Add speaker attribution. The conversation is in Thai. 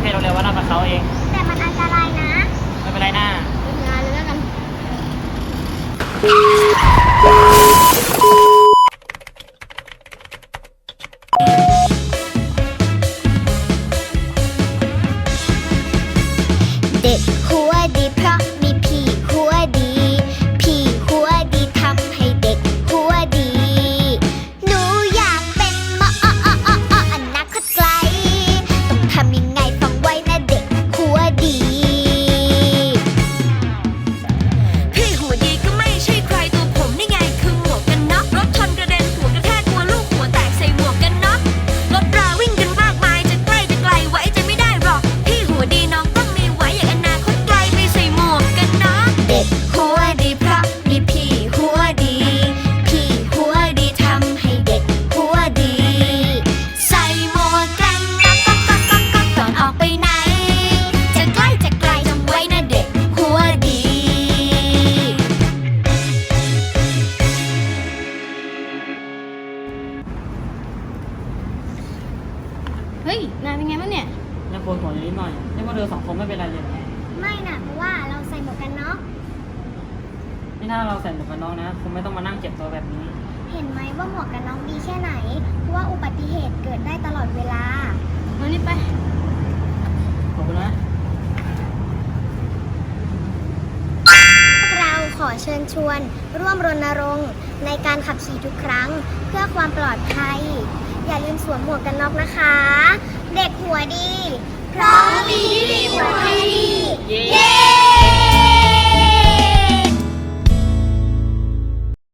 Speaker 1: เพศโรงเรียนวัดลาดประเขาเอง
Speaker 2: แต่มันอันตรายนะ
Speaker 1: ไม่เป็นไรนะ
Speaker 2: ไปงานเลยแล้วกันเด็กหัวดีเพราะมีพี่หัวดีพี่หัวดีทำให้เด็กหัวดีหนูอยากเป็นหมออนาคตไกลต้องทำยังไงฟังไว้นะเด็กหัวดี
Speaker 3: พี่หัวดีก็ไม่ใช่ใครตัวผมนี่ไงคือหมวกกันน็อกรถชนกระเด็นหัวกระแทกตัวลูกหัวแตกใส่หมวกกันน็อกรถราวิ่งกันมากมายจะใกล้จะไกลไว้จะไม่ได้หรอกพี่หัวดีน้องต้องมีไว้อย่างอนาคตไกลไปใส่หมวกกันน็อก
Speaker 2: เด็กหัวดีเพราะมีพี่หัวดีพี่หัวดีทำให้เด็กหัวดีใส่หมวกกันน็อกก่อนออกไปไหนจะใกล้จะไกลจำไว้นะเด็กหัวดี
Speaker 4: เฮ้ย นายเป็นไงบ้างเนี่ย
Speaker 1: ยังปวดหัวอยู่นิดหน่อยนี่ว่าเธอสองคนไม่เป็นไรเลย
Speaker 2: ไม่นะเพราะว่าเราใส่หมวกกันน็อก
Speaker 1: นี่ถ้าเราใส่หมวกกันน็อกนะคงไม่ต้องมานั่งเจ็บตัวแบบนี้
Speaker 2: เห็นไหมว่าหมวกกันน็อกดีแค่ไหนเพราะว่าอุบัติเหตุเกิดได้ตลอดเวลา
Speaker 4: มานี่ไป
Speaker 1: ขอบคุณนะ
Speaker 2: พวกเราขอเชิญชวนร่วมรณรงค์ในการขับขี่ทุกครั้งเพื่อความปลอดภัย อย่าลืมสวมหมวกกันน็อกนะคะ เด็กหัวดีพร้อมมีที่หัวให้ดี เย้